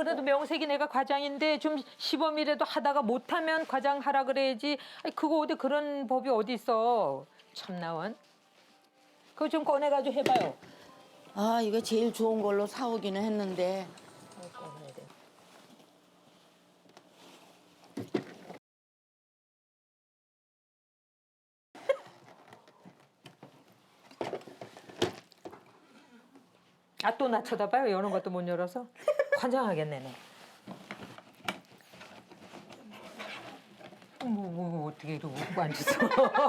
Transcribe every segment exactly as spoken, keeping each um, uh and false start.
그래도 명색이 내가 과장인데 좀 시범이라도 하다가 못하면 과장 하라 그래야지. 아니 그거 어디 그런 법이 어디 있어. 참나원. 그거 좀 꺼내가지고 해봐요. 아, 이거 제일 좋은 걸로 사오기는 했는데. 꺼내야 돼. 아, 또 나 쳐다봐요. 여는 것도 못 열어서. 환장하겠네, 너. 뭐, 뭐, 뭐 어떻게 이러고 웃고 앉았어.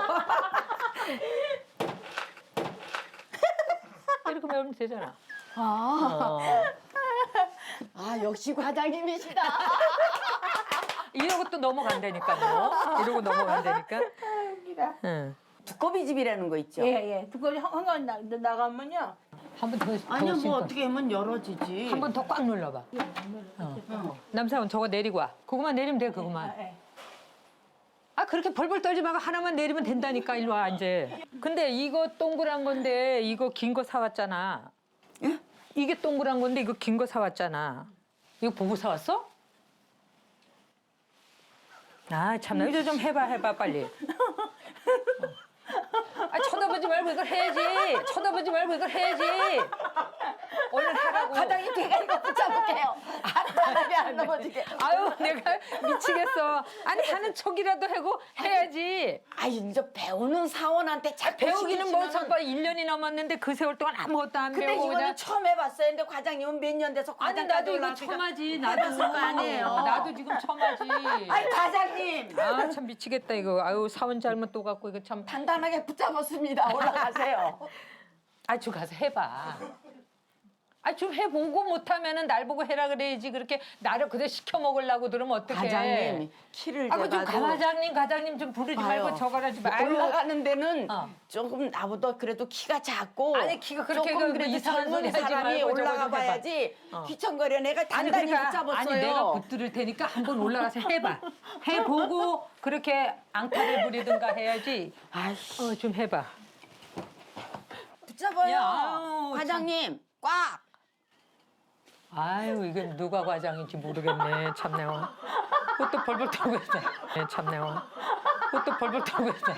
이렇게 매우면 되잖아. 아, 어. 아 역시 과장님이시다. 이러고 또 넘어간다니까, 너. 이러고 넘어간다니까. 웃기다. 응. 두꺼비 집이라는 거 있죠? 예, 예. 두꺼비 한강 나, 나가면요. 한 번 더, 더 아니야, 뭐 심고. 어떻게 하면 열어지지. 한 번 더 꽉 눌러봐. 어. 남사원 저거 내리고 와. 그거만 내리면 돼, 그거만. 예. 아 그렇게 벌벌 떨지 말고 하나만 내리면 된다니까. 일로 와 이제. 근데 이거 동그란 건데 이거 긴 거 사왔잖아. 예? 이게 동그란 건데 이거 긴 거 사왔잖아. 이거 보고 사왔어? 아 참나 이거 좀 해봐 해봐 빨리. 어. 아 쳐다보지 말고 이걸 해야지. 쳐다보지 말고 이걸 해야지. 얼른 하라고. 과장님 제가 이거 붙여볼게요. 바닥에 안 넘어지게. 아유 내가 미치겠어. 아니 하는 척이라도 하고 해야지. 아 이제 배우는 사원한테 자꾸 배우기는 뭐 시키시면은- 잠깐 일 년이 넘었는데 그 세월 동안 아무것도 안 근데 배우고 이거는 그냥. 처음 해봤어요. 근데 과장님은 몇 년 돼서 아니 과장까지 나도 이거 올라왔으니까 처음 하지. 나도 해봤을 거 아니에요. 나도 지금 처음 하지. 아니 과장님 아 참 미치겠다 이거. 아유 사원 잘못 또 갖고 이거 참. 단단하게 붙잡았습니다. 올라가세요. 아 좀 가서 해봐. 아 좀 해보고 못하면은 날 보고 해라 그래야지. 그렇게 나를 그대로 시켜 먹으려고 들으면 어떡해. 과장님 키를 아그 좀 재봐도 과장님 과장님 좀 부르지 말고 봐요. 저거라지 말고. 올라가는 데는 어. 조금 나보다 그래도 키가 작고 아니, 키가 그렇게 조금 그 그래도 이상한 젊은 소리 하지 사람이 말고 저거 좀 올라가 해봐. 봐야지 어. 귀청거려. 내가 아니 단단히 그러니까 붙잡았어요. 아니 내가 붙들을 테니까 한번 올라가서 해봐. 해보고 그렇게 앙탈을 부리든가 해야지. 아이씨 어 좀 해봐. 붙잡아요. 야, 아유, 과장님 꽉. 아유 이게 누가 과장인지 모르겠네. 참내원. 그것도 벌벌 떨고 있어. 네, 참내원. 그것도 벌벌 떨고 있어.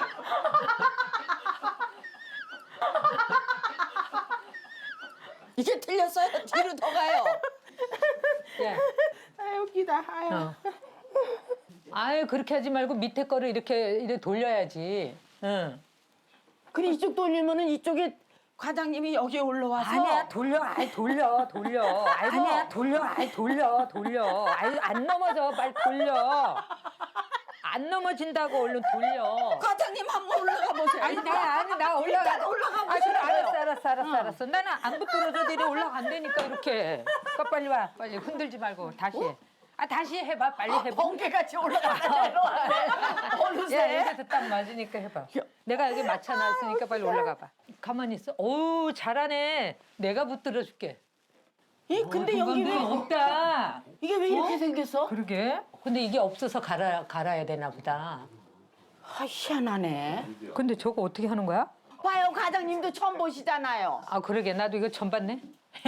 이게 틀렸어요. 뒤로 더 가요. 야, 아, 웃기다. 아유. 어. 아유 그렇게 하지 말고 밑에 거를 이렇게 이렇게 돌려야지. 응. 그래 이쪽 돌리면은 이쪽에 과장님이 여기 올라와서 아니야 돌려 아이 돌려 돌려 아이고. 아니야 돌려 아이 돌려 돌려 아이 안 넘어져 빨리 돌려 안 넘어진다고 얼른 돌려. 과장님 한번 올라가 보세요. 아니 나 아니 나 올라가 일단 올라가 아 그래 보세요. 알았어 알았어 알았어 알았어 나는 안 붙들어줘도 이래 올라간다니까 이렇게. 그러니까 빨리 와 빨리 흔들지 말고 다시 해. 아 다시 해봐 빨리 해봐. 번개같이 올라가다 내려와. 야 어느새 이것도 딱 맞으니까 해봐. 내가 여기 맞춰놨으니까 빨리 올라가봐. 가만히 있어. 어우 잘하네. 내가 붙들어줄게. 이 근데 여기 왜 없다. 이게 왜 이렇게 생겼어? 그러게. 근데 이게 없어서 갈아 갈아야 되나 보다. 아 희한하네. 근데 저거 어떻게 하는 거야? 봐요 과장님도 처음 보시잖아요. 아 그러게 나도 이거 처음 봤네.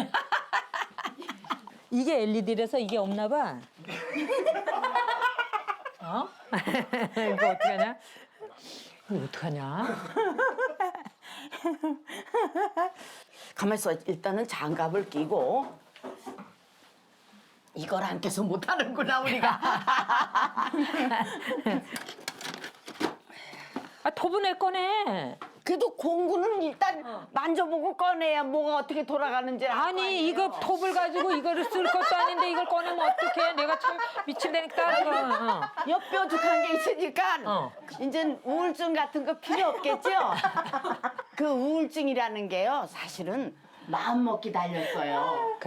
이게 엘이디라서 이게 없나 봐. 어? 이거 어떡하냐? 이거 어떡하냐? 가만 있어. 일단은 장갑을 끼고 이걸 안 껴서 못하는구나 우리가. 아 토분에 꺼내. 그래도 공구는 일단 만져보고 꺼내야 뭐가 어떻게 돌아가는지 알 거 아니 아니에요. 이거 톱을 가지고 이거를 쓸 것도 아닌데 이걸 꺼내면 어떡해. 내가 참 미친다니까. 이거. 어. 옆뾰족한 게 있으니까 어. 이제 우울증 같은 거 필요 없겠죠? 그 우울증이라는 게요 사실은 마음먹기 달렸어요.